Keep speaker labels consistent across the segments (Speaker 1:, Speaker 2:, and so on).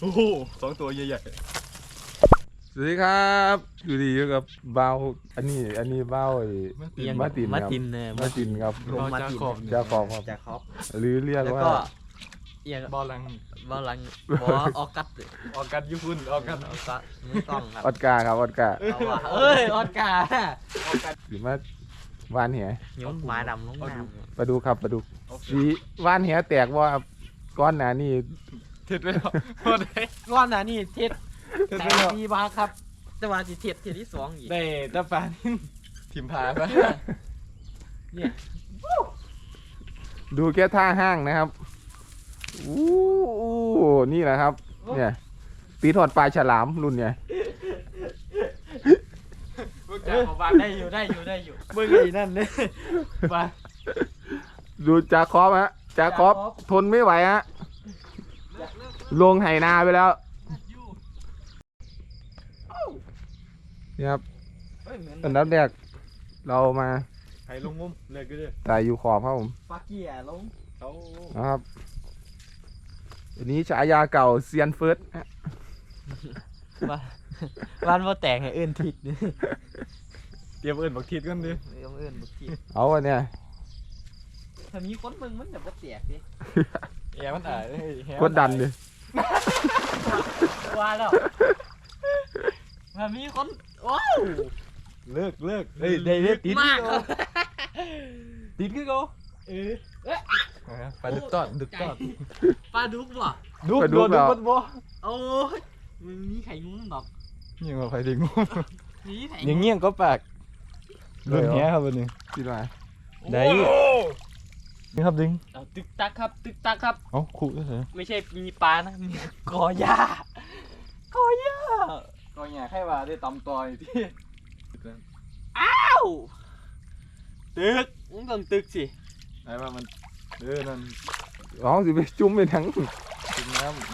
Speaker 1: โอ้โห2 ตัวใหญ่
Speaker 2: สวัสดีครับอยู่ดีอยู่กับเบาอันนี้เบามาตินครับมาตินครับ
Speaker 1: ๆมาจากขอบ
Speaker 2: จาขอบครับ
Speaker 3: จากคอป
Speaker 2: หรือเรียก
Speaker 3: แล้ว
Speaker 2: ว่า
Speaker 3: ก็เอียง
Speaker 1: บอลลัง
Speaker 3: บอลลังบอออกัส
Speaker 1: ออกกันญี่ปุ่นออกกัน
Speaker 3: ออกัสมือกล้องครับ
Speaker 2: ออดการ์ครับออดการ์
Speaker 3: เอาว่ะเอ้ยออสการ์
Speaker 2: หรือมาวานเหีย
Speaker 3: ย้มหมาดำลงน้ำ
Speaker 2: ปลาดูครับปลาดูสีวานเหียแตกว่าก้อนหนานี่
Speaker 1: เท็ดไปแล้วพอได้
Speaker 3: ก้อนน่ะนี่เท็ด
Speaker 1: เท็ด
Speaker 3: แต่
Speaker 1: ไปแล้ว
Speaker 3: ปีบาครับแต่ว่าสิเท็ดที่สองอีก
Speaker 1: ได้ตาปานิ่ทิมพาปะ
Speaker 3: เนี่ย
Speaker 2: ดูแค่ท่าห้างนะครับอู้นี่แหละครับเนี่ยตีถอดปลาฉลามรุ่นเนี่ย
Speaker 3: ได้อยู่เมื่อกี้นั่นเนี่ยไป
Speaker 2: ดูจาคอบฮะจาคอบทนไม่ไหวฮะลงไหนาไปแล้วนี่ครับอันดับแรกเรามา
Speaker 1: ไข่ลงงุ้มเลยก็ได้
Speaker 2: ตายอยู่ขอบครับผม
Speaker 3: ปักเกียร์ลง
Speaker 1: เขา
Speaker 2: นะครับอันนี้ฉายาเก่าเซียนเฟิร์สฮะ
Speaker 3: บ้านว่าแต่งให้เอื้นทิดนี่
Speaker 1: เตรียมเอิญบักทิดกันดิ
Speaker 3: เอื้นบุกทิด
Speaker 2: เอาอันเนี่ย
Speaker 3: ถ้ามีคนมึงมันแบบว่าแตกดิ
Speaker 1: แอร์มันอ่ายแฮะ
Speaker 2: กดดันดิ
Speaker 3: ว่าแล้วถ้ามีคนว้าว
Speaker 1: เลิกเฮ้ยได้เลิกติด
Speaker 3: มากครับ
Speaker 1: ติดคือเขา ไปดึกตอด
Speaker 3: ปลาดุกบ่
Speaker 1: ดุกโดนดุกบ่
Speaker 3: โอ้ยมันมีไข่งุ้มดอก
Speaker 1: ยังว่าไฟดึงงุ้ม
Speaker 3: มีไข่
Speaker 1: ยังเงี้ยงก็ปากรุ่นแฮะครับวันนี้
Speaker 2: คิดว่า
Speaker 1: ได้นี่ครับดึง
Speaker 3: เอาตึกตักครับตึกตักครับ
Speaker 1: เอ้าขู่ด้วยเหรอ
Speaker 3: ไม่ใช่มีปลานะมีกอหญ้ากอหญ้า
Speaker 1: ก็อย่าให้ว่าได้ตำต่อยที่
Speaker 3: อ้าวตึกมึงต้องตึกสิ
Speaker 1: ไอ้ว่ามันนั่น
Speaker 2: อ๋อสิไปจุ่มไปทั้ง
Speaker 1: กินน้ำ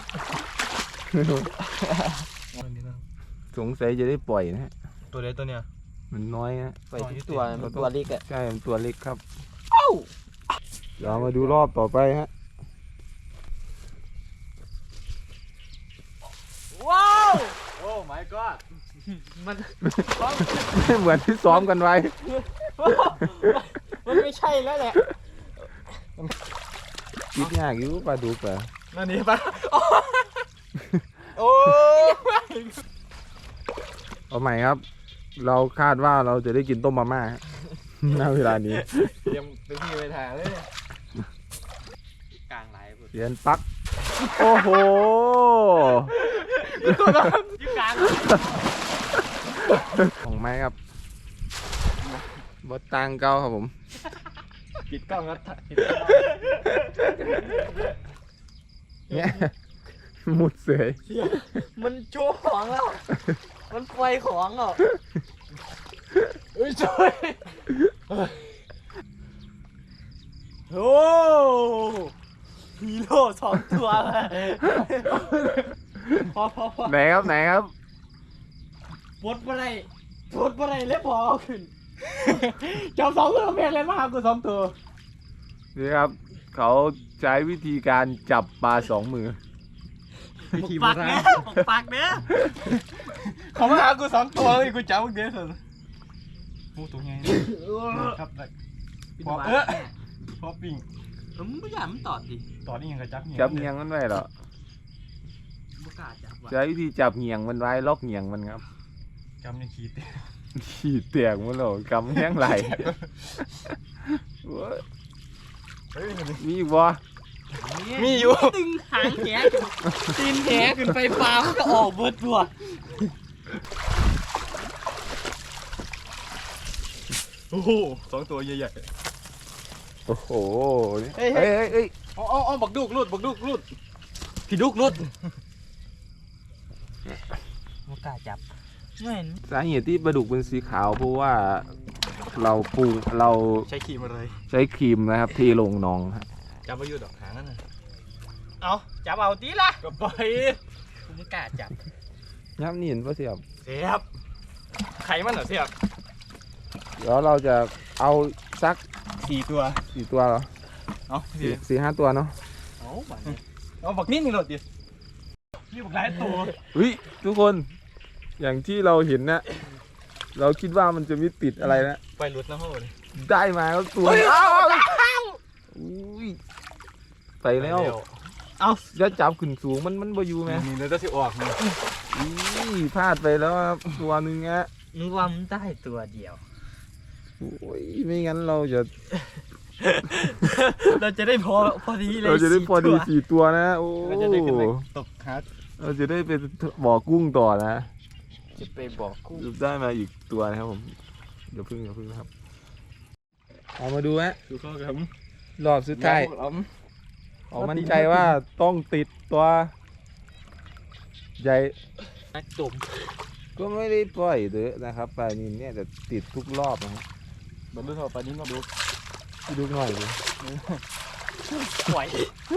Speaker 2: สงสัยจะได้ปล่อยนะฮะ
Speaker 1: ตัวเล็กตัวเนี้ย
Speaker 2: มันน้อยนะ
Speaker 3: ไปทุกตัวมันตัวเล็กอะ
Speaker 2: ใช่มันตัวเล็กครับ
Speaker 3: เอ้า
Speaker 2: เดี๋ยวมาดูรอบต่อไปฮะ
Speaker 3: ว้าว
Speaker 1: โอ้ my god
Speaker 3: มัน
Speaker 2: เหมือนที่ซ้อมกันไว้
Speaker 3: มันไม่ใช่แล้วแหละ
Speaker 2: คิดยากอยู่ปลาดุกอะ
Speaker 1: นั่นนี่ปะโอ้
Speaker 2: เอาใหม่ครับ เราคาดว่าเราจะได้กินต้มมาม่าฮะ ณเวลานี้
Speaker 1: เตรียมตัวพี่ไปถ่ายเลย
Speaker 3: กลางไหลพุ่น
Speaker 2: เรียนปัก โอ้โห
Speaker 3: อยู่กลาง
Speaker 2: ของไม้ครับบดตังเก้าครับผม
Speaker 1: ปิดกล้องครับปิด
Speaker 2: เนี่ย มุดเสย
Speaker 3: มันโชว์ของแล้ว มันไฟของอ่ะ
Speaker 1: เอ้ยช่วย
Speaker 3: โอ้ฮีโร่สองตัวเลยพอ
Speaker 2: ไหนครับไหนครับ
Speaker 3: ปลดอะไรเลยพอเอาขึ้นจับสองตัวแม่งเลยมาหากูสองตัว
Speaker 2: นี่ครับ เขาใช้วิธีการจับปลาสองมือ
Speaker 3: ปากเนี้ยปากเนี้ย
Speaker 1: เขามาหากู2 ตัวเลยกูจับมึงเดี๋ยวเถอะพูดตรงไงครับได้พอพอปิ่ง
Speaker 3: มึงไม่อยากมันตอดดิ
Speaker 1: ต่อนี่ยังกระจับ
Speaker 2: จับเงียงมันไว้เหรอ
Speaker 3: ไม่กล้าจับว่ะ
Speaker 2: ใช้วิธีจับเงียงมันไว้ล็อกเงียงมันครับ
Speaker 1: จำยังขีด
Speaker 2: ขีดเตียงมันเหรอกำแห้งไหลโอ้ย
Speaker 1: เฮ้ย
Speaker 2: มีอีกบ่
Speaker 1: มีอยู่
Speaker 3: ตึงหางแหตีนแหขึ้นไปปลามันก็ออกเบิดตัว
Speaker 1: โอ้โห2 ตัวใหญ่
Speaker 2: โอ้โห
Speaker 1: เฮ้ย
Speaker 2: เฮ้ย
Speaker 1: เอาบักดุกรุดพี่ดุกรุด
Speaker 3: ไม่กล้าจับไม่เห็น
Speaker 2: สาเหตุที่ปลาดุกเป็นสีขาวเพราะว่าเราปรุงเรา
Speaker 1: ใช้ขีมาเลย
Speaker 2: ใช้ครีมนะครับเทลงหนองฮะ
Speaker 1: จับมาอยู่ดอกหางนั่นน่ะ
Speaker 3: เอาจับเอาตีละ
Speaker 1: ก็ปล่อย
Speaker 3: กูไม่กล้าจับ
Speaker 2: ย้ำนี่เห็นปะเสียบ
Speaker 1: เสียบไข่มันเหรอเสียบ
Speaker 2: เดี๋ยวเราจะเอาสัก
Speaker 1: 4 ตัว
Speaker 2: 4 ตัวเหรอ
Speaker 1: เอา
Speaker 2: 4-5 ตัวเนาะ
Speaker 3: เอาบัดนี้
Speaker 1: เอาบักนิดนึงหลดดินี่บอกหลายตัว
Speaker 2: อุ้ยทุกคนอย่างที่เราเห็นนะเราคิดว่ามันจะไม่ติดอะไรนะ
Speaker 1: ไปหลุดนะโหด
Speaker 2: ได้มาแล้วตัวอุ้ยไปแล้ว
Speaker 3: เอา
Speaker 2: แล้วจับขึ้นสูงมันบ่อยู่ไหม
Speaker 1: นี่เลยจะสิออกนี่
Speaker 2: อุ้ยพลาดไปแล้วครับตัวหนึงฮะ
Speaker 3: นึกว่ามันได้ตัวเดียว
Speaker 2: โอ้ยไม่งั้นเราจะ
Speaker 3: เราจะได้พอดีเลย
Speaker 2: เราจะได้พอดี
Speaker 3: 4
Speaker 2: 4 ตัวนะโอ้
Speaker 1: เราจะได้ขึ้นไปตกหา
Speaker 2: เราจะได้ไปบ่อกุ้งต่อนะ
Speaker 3: จะไปบอกคู่
Speaker 2: ได้มาอีกตัวนะครับผมเดี๋ยวพึ่งนะครับเอามาดูฮะ
Speaker 1: ดูเข้าครับ
Speaker 2: รอบสุดท้ายออกมั่นใจว่าต้องติดตัวใหญ่
Speaker 3: นักตุ่ม
Speaker 2: ก็ไม่ได้ปล่อยเยอะนะครับปลานินเนี่ยจะติดทุกรอบนะฮะ
Speaker 1: บรรลุเท่าปลานี้มาดู
Speaker 2: ดูหน่อยดิ
Speaker 3: ไหว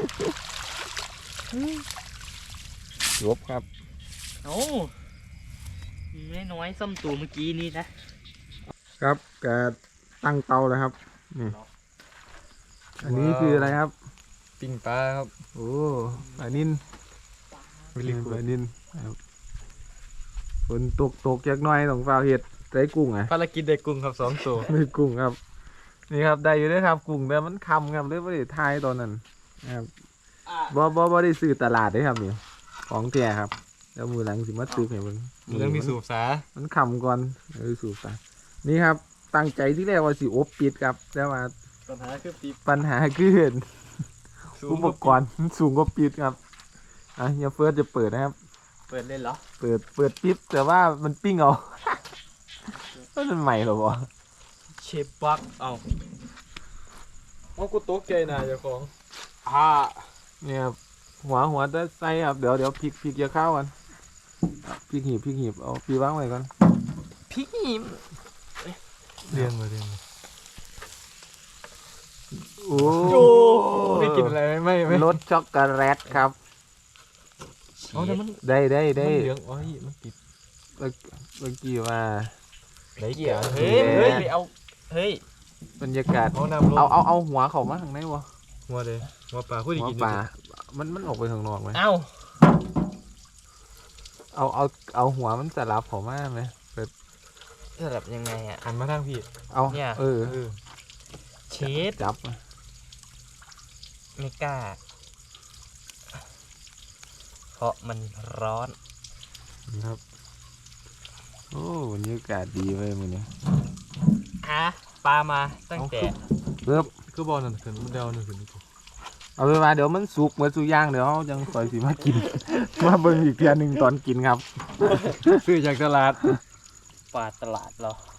Speaker 2: ลบครับ
Speaker 3: โอ้ไม่น้อยส้มตัวเมื่อกี้นี้นะครับ
Speaker 2: แกตั้งเตาแล้วครับนี่อันนี้คืออะไรครับ
Speaker 1: ปิ้งปลาครับ
Speaker 2: โอ้ปลานินปลานินครับฝนตกจากหน้อยต้องฟ้าวเห็ดได้กุ้งอ่ะ
Speaker 1: ภารกิจได้กุ้งครับ2ตัว
Speaker 2: ได้กุ้งครับ นี่ครับได้อยู่ด้วยครับกุ้งแต่มันคำครับเลยไม่ได้ทายตอนนั้นนะครับบ่ได้ซื้อตลาดเด้ครับนี่ของแท้ครับแล้วมือหลังสิมาซื้อให้มัน
Speaker 1: มันต้องมีสูบสา
Speaker 2: มันคำก่อนสูบไปนี่ครับตั้งใจที่แรกว่าสิอบปิดครับแต่ว่า
Speaker 1: ปัญหาคือปี
Speaker 2: ปัญหาคืออุปกรณ์สูงกว่าปิดครับอ่ะเฮียเฟิร์สจะเปิดนะครับ
Speaker 3: เปิดเล่นเหรอ
Speaker 2: เปิดปิ๊บแต่ว่ามันปิ้งเอา มันใหม่เหรอวะ
Speaker 3: เชฟบักเอา
Speaker 1: เอากูตกใจนะเจ้าของ
Speaker 2: เนี่ยครับหัวจะใส่ครับเดี๋ยวพริกจะเข้ากันพริกหีบเอาปีวางไว้ก่อน
Speaker 3: พริกหิม
Speaker 1: เรียงมา
Speaker 2: โอ้
Speaker 1: ไม่กินอะไรไม่
Speaker 2: รสช็อกโกแลตครับ
Speaker 1: เอาแต่มัน
Speaker 2: ได้
Speaker 1: มันเหลืองอ๋อมันติด
Speaker 2: เมื่อกี้ว่า
Speaker 1: ไหนเกี่ยว
Speaker 3: เฮ้ยไปเอาเฮ้ย
Speaker 2: บรรยากาศ
Speaker 1: เอาน้ำลง
Speaker 2: เอาหัวเขามาข้างในวะ
Speaker 1: หัวเลยหัวปลาพูด
Speaker 2: หัว
Speaker 1: กิน
Speaker 2: ปลามันออกไปข้างนอกไหม
Speaker 3: เอา
Speaker 2: เอาหัวมันสลับเขามาไหม
Speaker 3: สลับยังไงอ่ะ
Speaker 1: หันมาทางพี่
Speaker 2: เอา
Speaker 3: เนี่ย
Speaker 2: เออ
Speaker 3: เชฟ
Speaker 2: จับ
Speaker 3: ไม่กล้า เพราะมันร้อน
Speaker 2: ครับโอ้บรรยากาศดีเลยมันเนี่ย
Speaker 3: ปลามาตั้งแต่
Speaker 2: เริ่ม
Speaker 1: คือบอลนั่นขึ้นเดาหนึ่งขึ้นนี่
Speaker 2: เอาไปมาเดี๋ยวมันสุกเหมือนสุกย่างเดี๋ยวเขาจังคอยสิมากิน มาเบิ่งอีกเทียหนึ่งตอนกินครับ
Speaker 1: ซื้อจากตลาด
Speaker 3: ปลาตลาดเรา